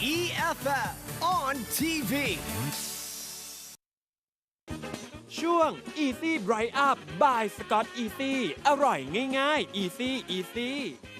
EFF on TV ช่วง Easy Bright Up by Scott Easy อร่อยง่ายๆ Easy Easy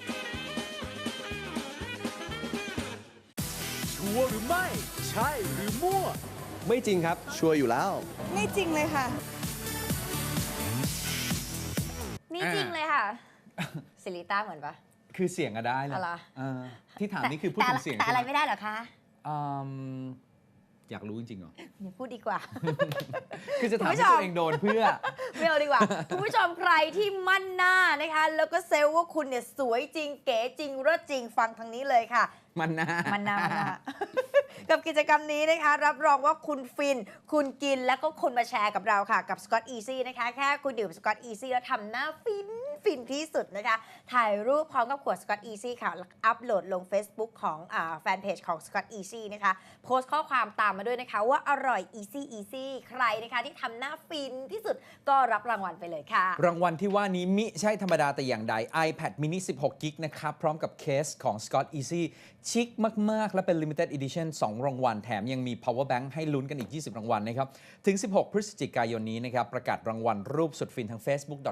ชัวร์หรือไม่ ใช่หรือมั่วไม่จริงครับ ชัวร์อยู่แล้วไม่จริงเลยค่ะนี่จริงเลยค่ะ ซิลิต้าเหมือนปะคือเสียงก็ได้แหละอะไรที่ถามนี่คือพูดถึงเสียงแต่อะไรใช่หไม่ได้เหรอคะอืมอยากรู้จริงๆเหรออย่าพูดดีกว่าคือจะถามคุณผู้ให้ชมตัวเองโดนเพื่อไม่เอาดีกว่า คุณผู้ชมใครที่มั่นหน้านะคะ แล้วก็เซลล์ว่าคุณเนี่ยสวยจริงเก๋จริงเลิศจริงฟังทางนี้เลยค่ะมันนะมันนา กับกิจกรรมนี้นะคะ รับรองว่าคุณฟิน คุณกินแล้วก็คุณมาแชร์กับเราค่ะ กับ Scott Easy นะคะ แค่คุณดื่ม Scott Easy แล้วทำหน้าฟินที่สุดนะคะ ถ่ายรูปพร้อมกับขวด Scott Easy ค่ะแล้วอัปโหลดลง Facebook ของแฟนเพจของ Scott Easy นะคะ โพสต์ข้อความตามมาด้วยนะคะว่าอร่อย Easy ใครนะคะที่ทำหน้าฟินที่สุดก็รับรางวัลไปเลยค่ะรางวัลที่ว่านี้มิใช่ธรรมดาแต่อย่างใด iPad mini 16 กิกนะครับ พร้อมกับเคสของ Scott Easy ชิคมาก ๆ และเป็น limited edition 2 รางวัลแถมยังมี power bank ให้ลุ้นกันอีก 20 รางวัลนะครับ ถึง 16 พฤศจิกายนนี้นะครับ ประกาศรางวัลรูปสุดฟินทาง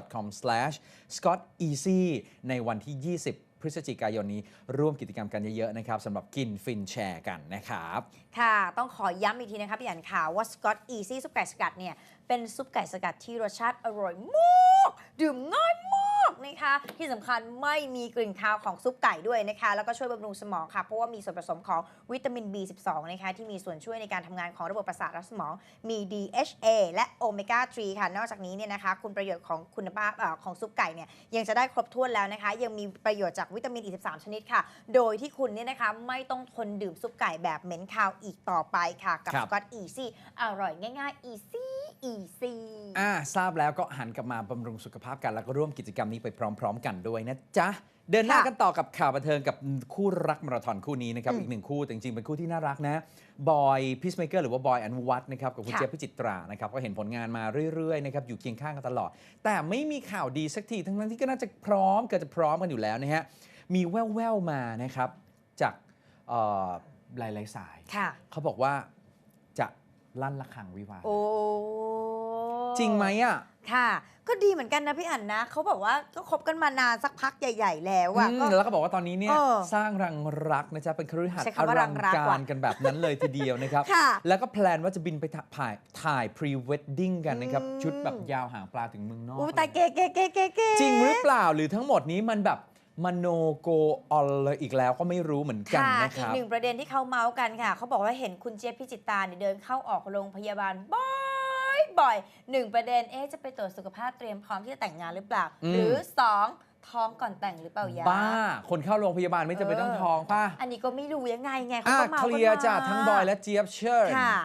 facebook.com/scotteasy ในวันที่ 20 พฤศจิกายนนี้ ร่วมกิจกรรมกันเยอะ ๆ นะครับสำหรับกินฟินแชร์กันนะครับค่ะ ต้องขอย้ำอีกทีนะคะพี่อันข่าวว่า Scott Easy ซุปไก่สกัดเนี่ย เป็นซุปไก่สกัดที่รสชาติอร่อยมาก ดื่มง่ายมากนะคะ ที่สำคัญไม่มีกลิ่นคาวของซุปไก่ด้วยนะคะ แล้วก็ช่วยบำรุงสมองค่ะ เพราะว่ามีส่วนผสมของวิตามิน B12 นะคะ ที่มีส่วนช่วยในการทำงานของระบบประสาทและสมอง มี DHA และโอเมก้า 3 ค่ะ นอกจากนี้เนี่ยนะคะ คุณประโยชน์ของคุณภาพของซุปไก่เนี่ย ยังจะได้ครบถ้วนแล้วนะคะ ยังมีประโยชน์จากวิตามิน 23 ชนิดค่ะ โดยที่คุณเนี่ยนะคะไม่ต้องทนดื่มซุปไก่แบบเหม็นคาวอีกต่อไปค่ะ กับครับ Scott Easy อร่อยง่ายๆ Easy ทราบแล้วก็หันกลับมาบำรุงสุขภาพกัน แล้วก็ร่วมกิจกรรมนี้ไปพร้อม ๆ กันด้วยนะจ๊ะ เดินหน้ากันต่อกับข่าวบันเทิงกับคู่รักมาราธอนคู่นี้นะครับ อีกหนึ่งคู่แต่จริงๆเป็นคู่ที่น่ารักนะ บอยพีซเมเกอร์หรือว่าบอยอนุวัฒน์นะครับกับคุณค่ะเจี๊ยบพิจิตรานะครับก็เห็นผลงานมาเรื่อยๆนะครับอยู่เคียงข้างกันตลอด แต่ไม่มีข่าวดีสักทีทั้งนั้นที่ก็น่าจะพร้อมเกิดจะพร้อมกันอยู่แล้วนะฮะมีแว่วๆมานะครับจากหลายๆสายค่ะเขาบอกว่าจะลั่นระฆังวิวาห์โอ้จริงไหมอ่ะค่ะ ก็ดีเหมือนกันนะพี่อั๋นนะเขาบอกว่าก็คบกันมานานสักพักใหญ่ ๆ แล้วอะก็แล้วก็บอกว่าตอนนี้เนี่ยเออสร้างรังรักนะจ๊ะเป็นคฤหาสน์ใช้อคำว่ารัลังงรักการว่ะกันแบบนั้นเลยทีเดียวนะครับค่ะแล้วก็แพลนว่าจะบินไปถ่ายพรีเวดดิ้งกันนะครับ ชุดแบบยาวหางปลาถึงเมืองนอกอู้ตายเก๋จริงหรือเปล่าหรือทั้งหมดนี้มันแบบมโนโกออลเลยอีกแล้วก็ไม่รู้เหมือนกันค่ะนะคอีกรับหนึ่งประเด็นที่เขาเมาส์กันค่ะ เขาบอกว่าเห็นคุณเจี๊ยบพิจิตราเนี่ยเดินเข้าออกโรงพยาบาลบ่อยหนึ่งประเด็นจะไปตรวจสุขภาพเตรียมพร้อมที่จะแต่งงานหรือเปล่า หรือสองท้องก่อนแต่งหรือเปล่ายาบ้า คนเข้าโรงพยาบาลไม่จำเป็นต้องท้องป่ะอันนี้ก็ไม่รู้ยังไงเขาก็เมาเคส์กันลียร์มาจ้ะทั้งบอยและเจี๊ยบเชิญค่ะ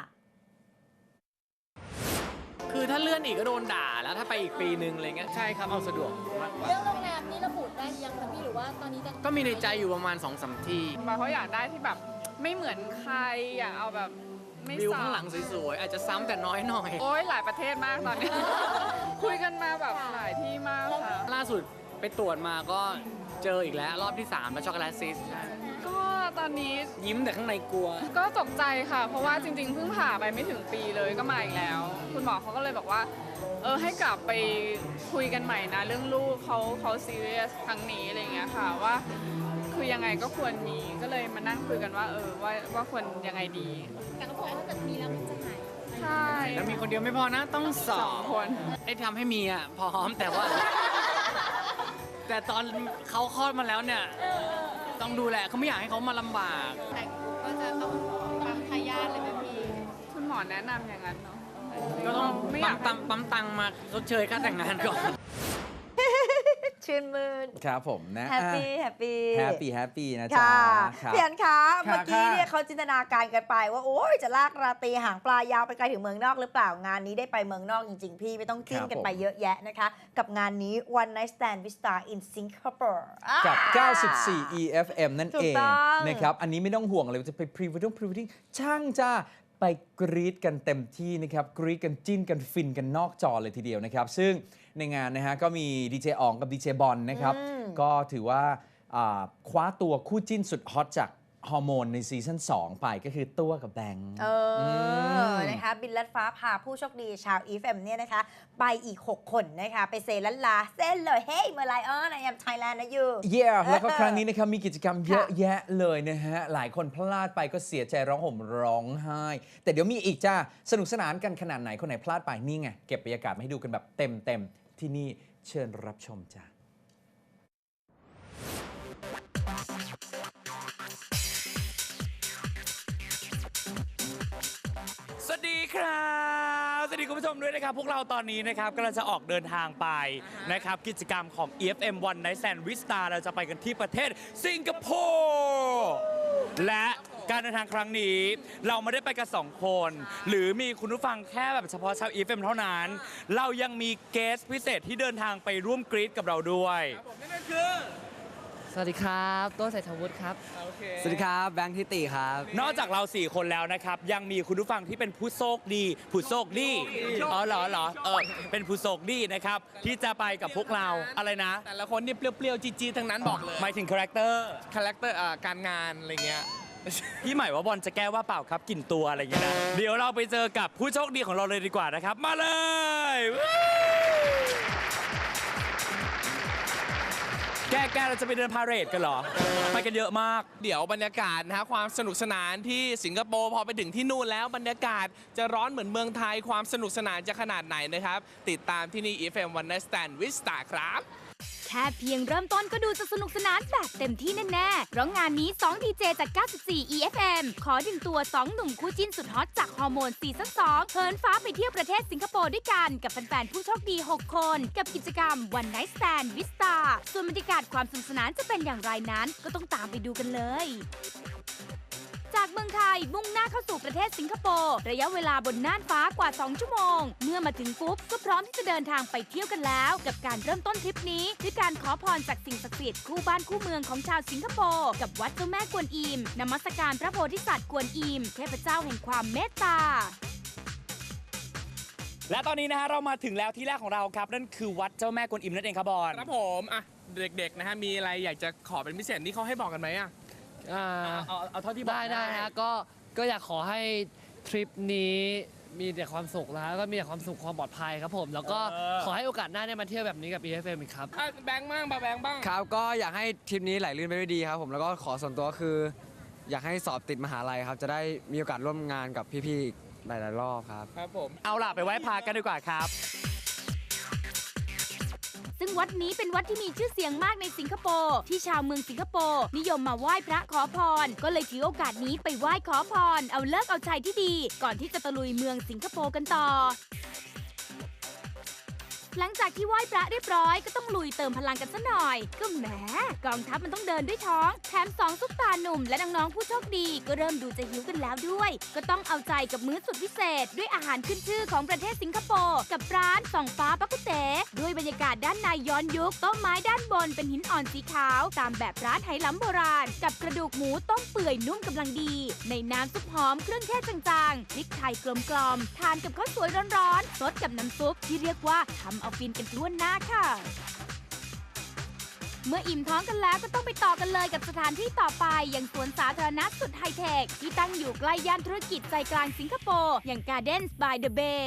คือถ้าเลื่อนอีกก็โดนด่าแล้วถ้าไปอีกปีนึงอะไรเงี้ยใช่ครับเอาสะดวกมากกว่าเรื่องโรงแรมนี้ระบุได้ยังคะพี่หรือว่าตอนนี้จะก็มีในใจอยู่ประมาณ 2-3 ที่บอยเขาอยากได้ที่แบบไม่เหมือนใครอยากเอาแบบไม่วิวซ้ำข้างหลังสวยๆ อาจจะซ้ำแต่น้อยหน่อยโอ้ยหลายประเทศมากตอนนี้ คุยกันมาแบบหลายที่มากค่ะล่าสุดไปตรวจมาก็เจออีกแล้วรอบที่ 3 แล้วช็อกโกแลตซิสก็ตอนนี้ยิ้มแต่ข้างในกลัวก็ตกใจค่ะ เพราะว่าจริงๆเพิ่งผ่าไปไม่ถึงปีเลยก็มาอีกแล้ว คุณหมอเขาก็เลยบอกว่าให้กลับไปคุยกันใหม่นะเรื่องลูกเขาซีเรียสครั้งนี้อะไรอย่างเงี้ยค่ะว่าคือยังไงก็ควรมีก็เลยมานั่งคุยกันว่าว่าควรยังไงดีแต่เขาบอกว่าถ้าเกิดมีแล้วมันจะหายใช่แล้วมีคนเดียวไม่พอนะต้องสองคนไอ้ทำให้มีอ่ะพร้อมแต่ว่า แต่ตอนเขาคลอดมาแล้วเนี่ยต้องดูแลเขาไม่อยากให้เขามาลำบากแต่ก็จะต้องปั๊มทายาทเลยไหมพี่คุณหมอแนะนำอย่างนั้นเนาะก็ต้องไม่อยากปั๊มตังค์มาชดเชยค่าแต่งงานก่อนชื่นมื่นครับผมนะแฮปปี้แฮปปี้แฮปปี้นะจ๊ะค่ะครับพี่อันคะค่ะเมื่อกี้เนี่ยค่ะเขาจินตนาการกันไปว่าโอ้ยจะลากราตรีหางปลายาวไปไกลถึงเมืองนอกหรือเปล่างานนี้ได้ไปเมืองนอกจริงๆ พี่ไม่ต้องจิ้นกันไปเยอะแยะนะคะ กับงานนี้ One Night Stand with Star in Singapore กับ 94 EFM นั่นถูเอก งต้องนะครับ อันนี้ไม่ต้องห่วงเลยว่าจะไปพรีเวดดิ้งช่างจ้าไปกรีดกันเต็มที่นะครับ กรีดกันจิ้นกันฟินกันนอกจอเลยทีเดียวนะครับ ซึ่งในงานนะฮะก็มีดีเจอ๋องกับดีเจบอลนะครับ ก็ถือว่าคว้าตัวคู่จิ้นสุดฮอตจากฮอร์โมนในซีซั่น2ไปก็คือตัวกับแบงค์นะคะบินลัดฟ้าพาผู้โชคดีชาว EFM เนี่ยนะคะไปอีก 6 คนนะคะไปเซลันลาเส้นเลยเฮ้ยเมื่อไรI am Thailand นะยูแล้วก็ครั้งนี้นะครับมีกิจกรรมเยอะแยะเลยนะฮะหลายคนพลาดไปก็เสียใจร้องห่มร้องไห้แต่เดี๋ยวมีอีกจ้าสนุกสนานกันขนาดไหนคนไหนพลาดไปนี่ไงเก็บบรรยากาศมาให้ดูกันแบบเต็มที่นี่เชิญรับชมจ้าสวัสดีครับสวัสดีคุณผู้ชมด้วยนะครับพวกเราตอนนี้นะครับกำลังจะออกเดินทางไปนะครับกิจกรรมของ EFM One Night Stand with Star เราจะไปกันที่ประเทศสิงคโปร์และการเดินทางครั้งนี้เราไม่ได้ไปกัน2 คนหรือมีคุณผู้ฟังแค่แบบเฉพาะชาว EFM เท่านั้นเรายังมีเกสพิเศษที่เดินทางไปร่วมกรี๊ดกับเราด้วยนั่นคือสวัสดีครับโต้เศรษฐวุฒิครับสวัสดีครับแบงค์ทิติครับนอกจากเรา4 คนแล้วนะครับยังมีคุณผู้ฟังที่เป็นผู้โชคดีเป็นผู้โชคดีนะครับที่จะไปกับพวกเราอะไรนะแต่ละคนนี่เปรี้ยวๆจี๊ดๆทั้งนั้นบอกเลยหมายถึงคาแรคเตอร์การงานอะไรเงี้ยพี่ใหม่ว่าบอลจะแก้ว่าเปล่าครับกลิ่นตัวอะไรอย่างเงี้ยนะเดี๋ยวเราไปเจอกับผู้โชคดีของเราเลยดีกว่านะครับมาเลยแกเราจะไปเดินพาเหรดกันเหรอไปกันเยอะมากเดี๋ยวบรรยากาศนะฮะความสนุกสนานที่สิงคโปร์พอไปถึงที่นู่นแล้วบรรยากาศจะร้อนเหมือนเมืองไทยความสนุกสนานจะขนาดไหนนะครับติดตามที่นี่ EFM One Night Stand with Star ครับแค่เพียงเริ่มต้นก็ดูจะสนุกสนานแบบเต็มที่แน่ๆเพราะงานนี้2 ดีเจจาก 94 EFM ขอดึงตัว 2 หนุ่มคู่จิ้นสุดฮอตจากฮอร์โมนซีซั่น 2เหินฟ้าไปเที่ยวประเทศสิงคโปร์ด้วยกันกับแฟนๆผู้โชคดี 6 คนกับกิจกรรม One Night Stand with Star ส่วนบรรยากาศความสนุกสนานจะเป็นอย่างไรนั้นก็ต้องตามไปดูกันเลยจากเมืองไทยมุ่งหน้าเข้าสู่ประเทศสิงคโปร์ระยะเวลาบนน่านฟ้ากว่า2 ชั่วโมงเมื่อมาถึงปุ๊บก็พร้อมที่จะเดินทางไปเที่ยวกันแล้วกับการเริ่มต้นทริปนี้ด้วยการขอพรจากสิ่งศักดิ์สิทธิ์คู่บ้านคู่เมืองของชาวสิงคโปร์กับวัดเจ้าแม่กวนอิมนมัสการพระโพธิสัตว์กวนอิมเทพเจ้าแห่งความเมตตาและตอนนี้นะฮะเรามาถึงแล้วที่แรกของเราครับนั่นคือวัดเจ้าแม่กวนอิมนั่นเองครับบอลครับผมอ่ะเด็กๆนะฮะมีอะไรอยากจะขอเป็นพิเศษนี่เขาให้บอกกันไหมอ่ะเอาเท่าที่บอกได้ฮะก็อยากขอให้ทริปนี้มีแต่ความสุขแล้วก็มีแต่ความสุขความปลอดภัยครับผมแล้วก็ขอให้โอกาสหน้าได้มาเที่ยวแบบนี้กับ EFM อีกครับแบงค์บ้างครับก็อยากให้ทริปนี้ไหลลื่นไปด้วยดีครับผมแล้วก็ขอส่วนตัวคือ อยากให้สอบติดมหาลัยครับจะได้มีโอกาสร่วมงานกับพี่ๆอีกหลายๆรอบครับผมเอาล่ะไปไหว้พระกันดีกว่าครับซึ่งวัดนี้เป็นวัดที่มีชื่อเสียงมากในสิงคโปร์ที่ชาวเมืองสิงคโปร์นิยมมาไหว้พระขอพรก็เลยถือโอกาสนี้ไปไหว้ขอพรเอาเลิกเอาชัยที่ดีก่อนที่จะตะลุยเมืองสิงคโปร์กันต่อหลังจากที่ไหว้พระเรียบร้อยก็ต้องลุยเติมพลังกันซะหน่อยก็แหมกองทัพมันต้องเดินด้วยท้องแถม2 ซุปตาหนุ่มและน้องๆผู้โชคดีก็เริ่มดูจะหิวกันแล้วด้วยก็ต้องเอาใจกับมื้อสุดพิเศษด้วยอาหารขึ้นชื่อของประเทศสิงคโปร์กับร้านส่องฟ้าปักกุเต๋ด้วยบรรยากาศด้านในย้อนยุคโต๊ะไม้ด้านบนเป็นหินอ่อนสีขาวตามแบบร้านไหหลำโบราณกับกระดูกหมูต้มเปื่อยนุ่มกำลังดีในน้ำซุปหอมเครื่องเทศจางๆพริกไทยกลมๆทานกับข้าวสวยร้อนๆซดกับน้ำซุปที่เรียกว่าทำเอาฟินกันทั่วหน้าค่ะเมื่ออิ่มท้องกันแล้วก็ต้องไปต่อกันเลยกับสถานที่ต่อไปอย่างสวนสาธารณะสุดไฮเทคที่ตั้งอยู่ใกล้ย่านธุรกิจใจกลางสิงคโปร์อย่าง Gardens by the Bay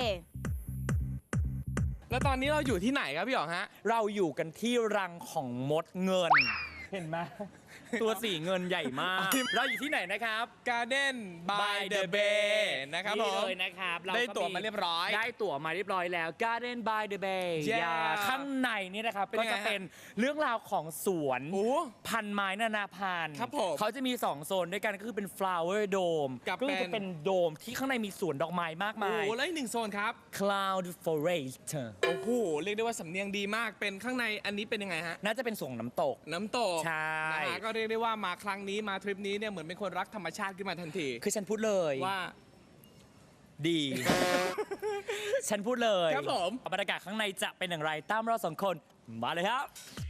แล้วตอนนี้เราอยู่ที่ไหนครับพี่อ๋องฮะเราอยู่กันที่รังของมดเงินเห็นไหมตัวสีเงินใหญ่มากเราอยู่ที่ไหนนะครับ Garden by the Bay นะครับผมนี่เลยนะครับได้ตั๋วมาเรียบร้อยได้ตั๋วมาเรียบร้อยแล้ว Garden by the Bay ข้างในนี่นะครับก็จะเป็นเรื่องราวของสวนพันไม้นานาพันธุ์เขาจะมี2 โซนด้วยกันก็คือเป็น flower dome ก็จะเป็นโดมที่ข้างในมีสวนดอกไม้มากมายแล้วอีก1 โซนครับ cloud forest โอ้โหเรียกได้ว่าสำเนียงดีมากเป็นข้างในอันนี้เป็นยังไงฮะน่าจะเป็นสวนน้ำตกใช่ก็เรียกได้ว่ามาครั้งนี้มาทริปนี้เนี่ยเหมือนเป็นคนรักธรรมชาติขึ้นมาทันทีคือฉันพูดเลยว่าดี ฉันพูดเลยครับผมบรรยากาศข้างในจะเป็นอย่างไรตามเรา2 คนมาเลยครับ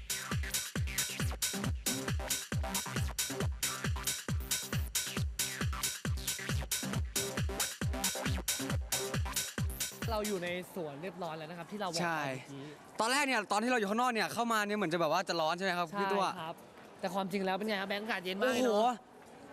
เราอยู่ในสวนเรียบร้อยแล้วนะครับที่เราบอกใช่ตอนแรกเนี่ยตอนที่เราอยู่ข้างนอกเนี่ยเข้ามาเนี่ยเหมือนจะแบบว่าจะร้อนใช่ไหมครับพี่ตัวครับแต่ความจริงแล้วเป็นไงครับแบงค์อากาศเย็นมากโอ้โห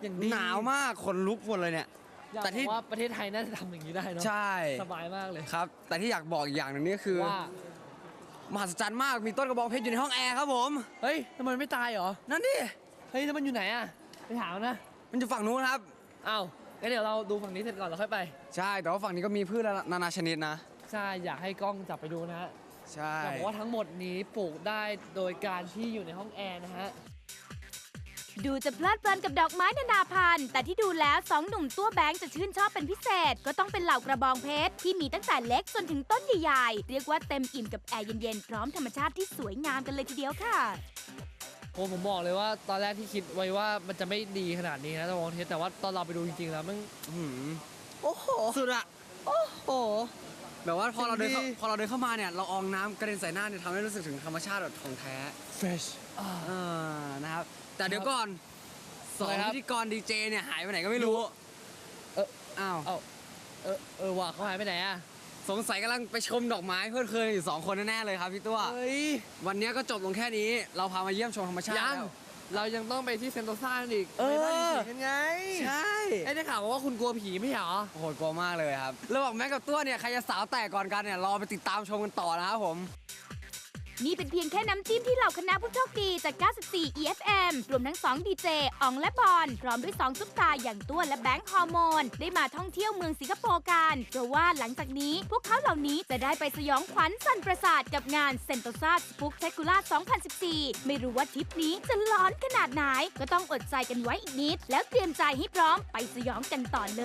อย่างดีหนาวมากขนลุกหมดเลยเนี่ยแต่ที่ว่าประเทศไทยน่าจะทำอย่างนี้ได้เนาะใช่สบายมากเลยครับ แต่ที่อยากบอกอีกอย่างหนึ่งนี่คือว่ามหัศจรรย์มากมีต้นกระบองเพชรอยู่ในห้องแอร์ครับผมเฮ้ยทำไมมันไม่ตายเหรอนั่นดิเฮ้ยแล้วมันอยู่ไหนอะไปถามนะมันอยู่ฝั่งนู้นครับอ้าวงั้นเดี๋ยวเราดูฝั่งนี้เสร็จก่อนแล้วค่อยไปใช่แต่ว่าฝั่งนี้ก็มีพืชนานาชนิดนะใช่อยากให้กล้องจับไปดูนะฮะใช่อยากบอกว่าทั้งหมดนี้ปลูกได้โดยการที่อยู่ในห้องแอร์นะฮะดูจะเพลิดเพลินกับดอกไม้นานาพันธุ์ แต่ที่ดูแล้วสองหนุ่มตัวแบงค์จะชื่นชอบเป็นพิเศษ ก็ต้องเป็นเหล่ากระบองเพชรที่มีตั้งแต่เล็กจนถึงต้นใหญ่ๆ เรียกว่าเต็มอิ่มกับแอร์เย็นๆ พร้อมธรรมชาติที่สวยงามกันเลยทีเดียวค่ะโอ้ผมบอกเลยว่าตอนแรกที่คิดไว้ว่ามันจะไม่ดีขนาดนี้นะตะวันเทสแต่ว่าตอนเราไปดูจริงๆแล้วมันโอ้โหสุดอะโอ้โหแบบว่าพอเราเดินเข้ามาเนี่ยเราอองน้ำกระเด็นใส่หน้าเนี่ยทำให้รู้สึกถึงธรรมชาติแบบของแท้ fresh นะครับแต่เดี๋ยวก่อนสองพิธีกรดีเจเนี่ยหายไปไหนก็ไม่รู้อ้าวว่ะเขาหายไปไหนอะสงสัยกำลังไปชมดอกไม้เพื่อนเคยอยู่2 คนแน่ๆเลยครับพี่ตัวเฮ้ยวันนี้ก็จบลงแค่นี้เราพามาเยี่ยมชมธรรมชาติยังแล้วเรายังต้องไปที่เซนโตซ่าอีกเออไปบ้านผีกันไงใช่ได้ข่าวว่าคุณกลัวผีไม่ใช่เหรอโอ้โหกลัวมากเลยครับแล้วบอกแม็กกับตัวเนี่ยใครจะสาวแตกก่อนกันเนี่ยรอไปติดตามชมกันต่อนะครับผมนี่เป็นเพียงแค่น้ำจิ้มที่เหล่าคณะผู้โชคดีจาก 94 EFM รวมทั้ง2ดีเจอองและบอลพร้อมด้วย2ซุปตาอย่างตัวและแบงค์ฮอร์โมนได้มาท่องเที่ยวเมืองสิงคโปร์กันเพราะว่าหลังจากนี้พวกเขาเหล่านี้จะได้ไปสยองขวัญสั่นประสาทกับงานเซนโตซาสปุกเทคูล่า 2014 ไม่รู้ว่าทริปนี้จะร้อนขนาดไหนก็ต้องอดใจกันไว้อีกนิด แล้วเตรียมใจให้พร้อมไปสยองกันต่อเลย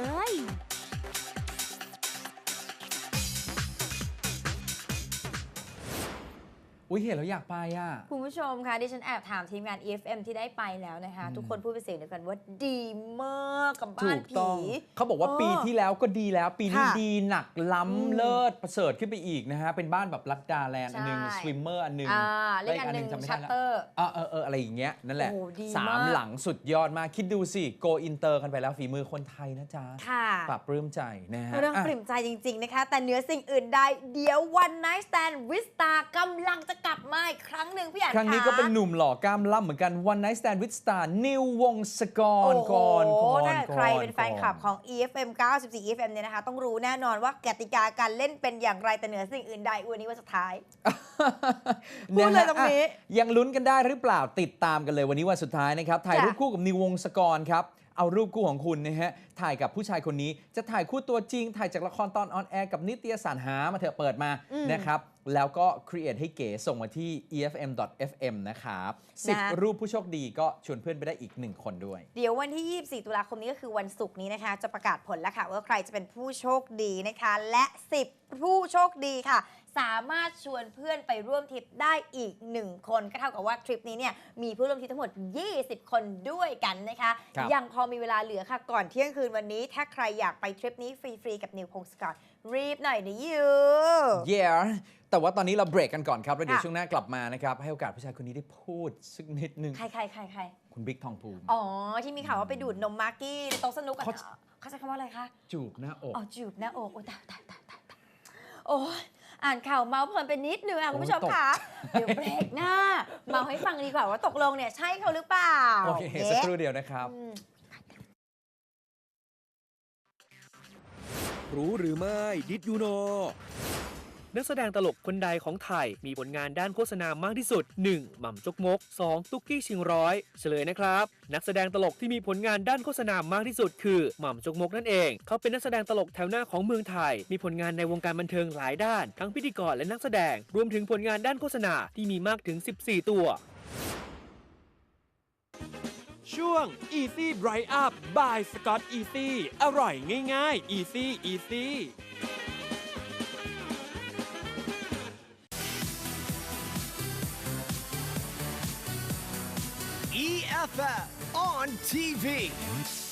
อุ้ยเห็นแล้วอยากไปอ่ะคุณผู้ชมคะดิฉันแอบถามทีมงาน EFM ที่ได้ไปแล้วนะคะ ทุกคนพูดเป็นเสียงเดียวกันว่าดีมากกับบ้าถูนกผีต้องเขาบอกว่าปีที่แล้วก็ดีแล้วปีนี้ค่ะดีหนักล้ำเลิศประเสริฐขึ้นไปอีกนะฮะ เป็นบ้านแบบลัดดาแลนด์อันหนึงใช่สวิมเมอร์อันหนึงเล่นอันหนึ่งจำไม่ชัได้ตแล้วเตอร์อะไรอย่างเงี้ยนั่นแหละโอ้ดีสามมากหลังสุดยอดมากคิดดูสิโกอินเตอร์กันไปแล้วฝีมือคนไทยนะจ๊ะค่ะปรับปลื้มใจนะฮะเรื่องอ่ะปริ่มใจจริง ๆ นะคะ แต่เหนือสิ่งอื่นใดเดี๋ยว One Night Stand with Star กำลังจะกลับมาอีกครั้งหนึ่งพี่อันครั้งนี้ก็เป็นหนุ่มหล่อกล้ามล่ำเหมือนกัน One Night Stand with Star นิววงศกรโอ้โหก่อนถ้าใครเป็นแฟนคลับของ EFM 94 EFM เนี่ยนะคะ ต้องรู้แน่นอนว่ากติกาการเล่นเป็นอย่างไรแต่เหนือสิ่งอื่นใดวันนี้วันสุดท้าย พูดเลยตรงนี้ะยังลุ้นกันได้หรือเปล่าติดตามกันเลยวันนี้วันสุดท้ายนะครับ ถ่ายรูปคู่กับนิววงศกรครับ เอารูปคู่ของคุณนะฮะถ่ายกับผู้ชายคนนี้จะถ่ายคู่ตัวจริง ถ่ายจากละครตอนออนแอร์กับนิตยสารหามาเถอะเปิดมานะครับ แล้วก็ create ให้เก๋ส่งมาที่ efm.fm นะครับ10 รูปผู้โชคดีก็ชวนเพื่อนไปได้อีก 1 คนด้วยเดี๋ยววันที่ 24 ตุลาคมนี้ก็คือวันศุกร์นี้นะคะ จะประกาศผลแล้วค่ะว่าใครจะเป็นผู้โชคดีนะคะ และ 10 ผู้โชคดีค่ะ สามารถชวนเพื่อนไปร่วมทริปได้อีก 1 คนก็เท่ากับว่าทริปนี้เนี่ยมีผู้ร่วมทริปทั้งหมด 20 คนด้วยกันนะคะครับยังพอมีเวลาเหลือค่ะก่อนเที่ยงคืนวันนี้ ถ้าใครอยากไปทริปนี้ฟรีๆกับนิวพงศกรรีบหน่อยนะยู Yeah แต่ว่าตอนนี้เราเบรกกันก่อนครับ แล้วเดี๋ยวค่ะช่วงหน้ากลับมานะครับ ให้โอกาสผู้ชายคนนี้ได้พูดสักนิดนึงใครคุณบิ๊กทองภูมิอ๋อ ที่มีข่าวว่าไปดูดนมมากกี้ในโต๊ะสนุกอะเขาเขาใช้คำว่าอะไรคะจูบหน้าอกอ๋อจูบหน้าอกโอ้ตายโอ้ยอ่านข่าวเมาส์เพลินไปนิดนึงอ่ะคุณผู้ชมคะเดี๋ยวเบรกหน้า เมาให้ฟังดีกว่าว่าตกลงเนี่ยใช่เขาหรือเปล่าโอเคสักครู่เดียวนะครับรู้หรือไม่ Did you know นักแสดงตลกคนใดของไทยมีผลงานด้านโฆษณามากที่สุด 1. หม่ำจกมก 2. ตุ๊กกี้ชิงร้อยเฉลยนะครับนักแสดงตลกที่มีผลงานด้านโฆษณามากที่สุดคือหม่ำจกมกนั่นเองเขาเป็นนักแสดงตลกแถวหน้าของเมืองไทยมีผลงานในวงการบันเทิงหลายด้านทั้งพิธีกรและนักแสดงรวมถึงผลงานด้านโฆษณาที่มีมากถึง 14 ตัวช่วง Easy Bright Up by Scott Easy อร่อยง่ายๆ Easy Easy EFF on TV